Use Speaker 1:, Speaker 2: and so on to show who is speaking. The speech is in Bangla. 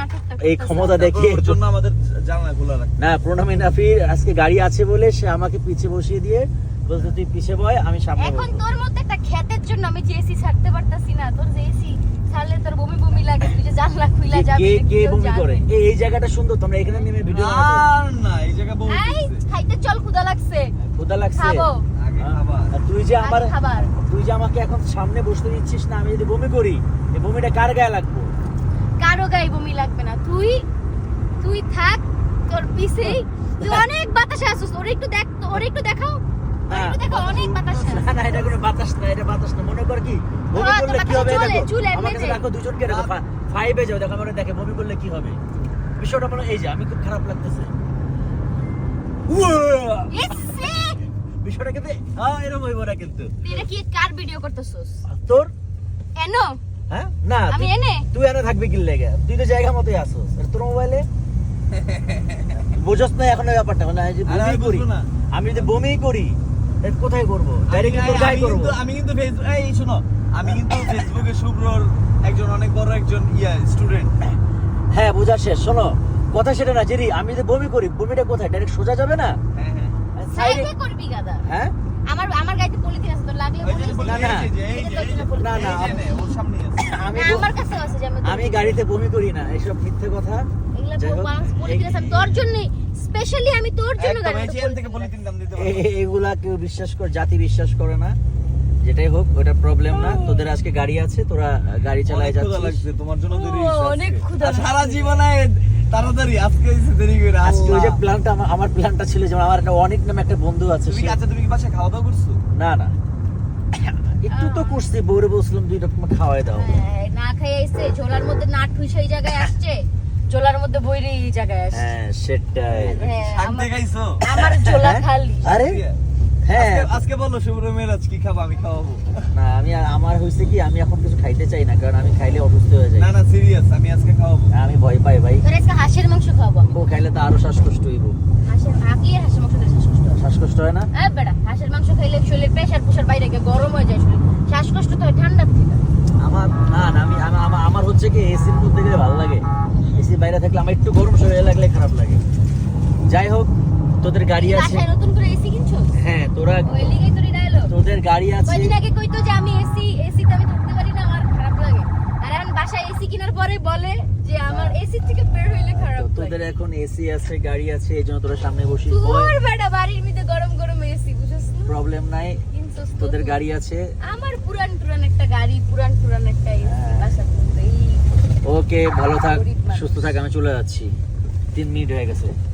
Speaker 1: নাটকটা
Speaker 2: এই ক্ষমতা দেখে
Speaker 3: ওর জন্য আমাদের জানলা খোলা রাখতে।
Speaker 2: না, প্রণামী নাফির আজকে গাড়ি আছে বলে সে আমাকে পিছে বসিয়ে দিয়ে বলতে তুই পিছে বয়, আমি সামনে
Speaker 1: এখন
Speaker 2: বসবো।
Speaker 1: তোর মধ্যে একটা ক্ষেতের জন্য আমি যে এসি ছাড়তে পারতাছি না। তোর যে এসি ছাড়লে তোর বমি বমি লাগে, তুই যে জানলা খুইলা যাবি
Speaker 2: কে কে
Speaker 1: কেউ
Speaker 2: বমি
Speaker 1: জানে
Speaker 2: করে?
Speaker 1: না।
Speaker 2: এই জায়গাটা সুন্দর, তোমরা এখানে নেমে ভিডিও বানাতে।
Speaker 3: আর না, এই জায়গা বহুত
Speaker 1: এই খাইতে চল, ক্ষুধা লাগছে,
Speaker 2: ক্ষুধা লাগছে।
Speaker 1: খাবো।
Speaker 3: আগে খাবার।
Speaker 2: আর তুই যে আমার
Speaker 1: আগে খাবার।
Speaker 2: তুই যে আমাকে এখন সামনে বসতে দিচ্ছিস না, আমি যদি বমি করি এই বমিটা কার গায়ে লাগবে?
Speaker 1: কারো গায়ে বমি লাগবে না। তুই থাক তোর পিছেই। তুই অনেক বাতাসে আসছিস, ওরে একটু দেখ, ওরে একটু দেখাও, ওরে একটু দেখাও, অনেক বাতাসে আছে।
Speaker 2: না না, এটা কোনো বাতাস না, এটা বাতাস না। মনে কর কি বমি
Speaker 1: হ্যাঁ,
Speaker 2: করলে কি
Speaker 1: বাতাসে
Speaker 2: হবে?
Speaker 1: চলে,
Speaker 2: দেখো
Speaker 1: চুল এমনি
Speaker 2: আমাকে
Speaker 1: যে।
Speaker 2: দেখো, দুজনকে দেখো, ফাইভে যাও, দেখো আমার দেখে বমি করলে কি হবে। বিষয়টা মনে এই যে আমি খুব খারাপ লাগতেছে।
Speaker 1: ইসে!
Speaker 2: বিষয়টা কিন্তু হ্যাঁ এরকম হইব না কিন্তু।
Speaker 1: তুই এটা কি কার ভিডিও করতেছস?
Speaker 2: আর তোর
Speaker 1: এনো
Speaker 2: হ্যাঁ না,
Speaker 1: আমি
Speaker 2: তুই-
Speaker 1: এনে
Speaker 2: তুই এনে থাকবি কি লেগে? তুই তো জায়গা মতোই আসোস। আর তোর মোবাইলে বুঝছ না এখন ওই ব্যাপারটা, মানে আমি যদি
Speaker 3: আরে
Speaker 2: বমি
Speaker 3: আমি
Speaker 2: করি,
Speaker 3: বুঝবো না।
Speaker 2: আমি যদি বমি করি তাহলে কোথায় করবো? ডাইরেক্ট তোর গায়ে করবো।
Speaker 3: আমি কিন্তু ফেসবুক, এই শোনো, আমি কিন্তু ফেসবুকে শুভ্রর একজন অনেক বড় একজন স্টুডেন্ট।
Speaker 2: হ্যাঁ বোঝা শেষ। শোনো কথা সেটা না, জেরি আমি যদি বমি করি বমিটা কোথায়? ডাইরেক্ট সোজা যাবে না?
Speaker 3: হ্যাঁ হ্যাঁ,
Speaker 2: সাইডে
Speaker 1: সাইডে করবি গাদা।
Speaker 2: হ্যাঁ
Speaker 1: আমার গাইতে পলিথিন আছে, তোর লাগলে
Speaker 3: ওই যে
Speaker 1: বলিস।
Speaker 3: বলি,
Speaker 2: না, না।
Speaker 3: এই যে, এই যে, এই যে,
Speaker 2: না, না,
Speaker 3: এই যে নে, ওর সামনে আছে।
Speaker 2: আমি
Speaker 1: না, আমার কাছে আছে যে
Speaker 2: আমি গাড়িতে বমি করি না, এসব মিথ্যে কথা।
Speaker 1: এগুলা
Speaker 2: যাই হোক,
Speaker 1: ওয়ান্স পলিথিন আছে, আমি তোর জন্য স্পেশালি আমি তোর জন্য
Speaker 3: একদম, এই
Speaker 1: গাড়িতে
Speaker 3: চেন থেকে পলিথিন দাম দিতে পারবো।
Speaker 2: এগুলা কেউ বিশ্বাস করে, জাতি বিশ্বাস করে না। যেটাই হোক ওটা প্রবলেম না। তোদের আজকে গাড়ি আছে, তোরা গাড়ি চালায়
Speaker 3: অনেক ক্ষুধা
Speaker 2: যাচ্ছিস।
Speaker 3: লাগছে, তোমার জন্য দেরি
Speaker 1: ও,
Speaker 3: হয়েছে
Speaker 1: অনেক
Speaker 3: আজকে।
Speaker 1: ক্ষুধা
Speaker 3: আর সারা
Speaker 1: লাগছে।
Speaker 3: জীবনে তাড়াতাড়ি, আজকে হয়েছে দেরি করে।
Speaker 2: আজকে ওই যে
Speaker 3: আল্লাহ।
Speaker 2: প্ল্যানটা আমার প্ল্যানটা ছিল যে আমার একটা অনেক নামে একটা বন্ধু আছে,
Speaker 3: তুমি কি
Speaker 2: সে-
Speaker 3: আচ্ছা, তুমি কি বাসায় খাওয়া দাওয়া করছো?
Speaker 2: না না একটু তো করছি, বউরে বলছিলাম দুইটা তোমার খাওয়াই দাও।
Speaker 1: হ্যাঁ, না খেয়ে এসে ঝোলার মধ্যে না ঠুই সেই জায়গায় আসছে, ঝোলার মধ্যে বইরে এই জায়গায় আসছে।
Speaker 2: হ্যাঁ সেটাই।
Speaker 1: হ্যাঁ,
Speaker 3: শাক
Speaker 1: আমার-
Speaker 3: দেখাইছো?
Speaker 1: আমার ঝোলা খালি।
Speaker 2: আরে হ্যাঁ
Speaker 3: আজকে বলো শুভ্র মেরাজ কি খাবো, আমি খাওয়াবো।
Speaker 2: না, আমার হয়েছে কি আমি এখন কিছু খাইতে চাই না, কারণ আমি খাইলে অসুস্থ হয়ে যাই।
Speaker 3: না না, সিরিয়াস, আমি আজকে খাওয়াবো।
Speaker 2: আমি ভয় পাই ভাই,
Speaker 1: তোর আজকে হাঁসের মাংস খাওয়াবো আমি।
Speaker 2: ও খাইলে তো আরো শ্বাসকষ্ট হইব।
Speaker 1: হাঁসের আগলি আর হাঁসের মাংস দিয়ে শ্বাসকষ্ট হয়।
Speaker 2: শ্বাসকষ্ট হয় না?
Speaker 1: বেটা, হাঁসের মাংস খাইলে শরীরের প্রেশার বাইরে গিয়ে গরম হয়ে যায় শরীর, শ্বাসকষ্ট তো হয় ঠান্ডার থেকে।
Speaker 2: আমার না না, আমার হচ্ছে কি এসির মধ্যে গেলে ভালো লাগে, এসির বাইরে থাকলে আমার একটু গরম শরীরে লাগলে খারাপ লাগে। যাই হোক তোদের গাড়ি আছে।
Speaker 1: বাসায় নতুন করে এসি কিনছো?
Speaker 2: হ্যাঁ তোরা
Speaker 1: ওই লিগেই তোর ডায়লগ।
Speaker 2: তোদের গাড়ি আছে।
Speaker 1: কয়দিন আগে কইতো যে আমি এসিতে আমি থাকতে পারি না, আমার খারাপ লাগে। আর এখন বাসায় এসি কেনার পরে বলে যে আমার এসি থেকে বের হইলে খারাপ লাগে।
Speaker 2: তোদের এখন এসি আছে, গাড়ি আছে, এই জন্য তোরা সামনে বসিস।
Speaker 1: তোর বেটা বাড়ির মধ্যে গরম গরম এসি, বুঝছস না?
Speaker 2: প্রবলেম নাই,
Speaker 1: কিনছস তো
Speaker 2: তোদের
Speaker 1: তুই।
Speaker 2: গাড়ি আছে।
Speaker 1: আমার পুরান একটা গাড়ি, পুরান একটা এসি
Speaker 2: হ্যাঁ।
Speaker 1: বাসার মধ্যে। এই
Speaker 2: ওকে ভালো থাক,
Speaker 1: গরিব মানুষ।
Speaker 2: সুস্থ থাক, আমি চলে যাচ্ছি। 3 মিনিট হয়ে গেছে।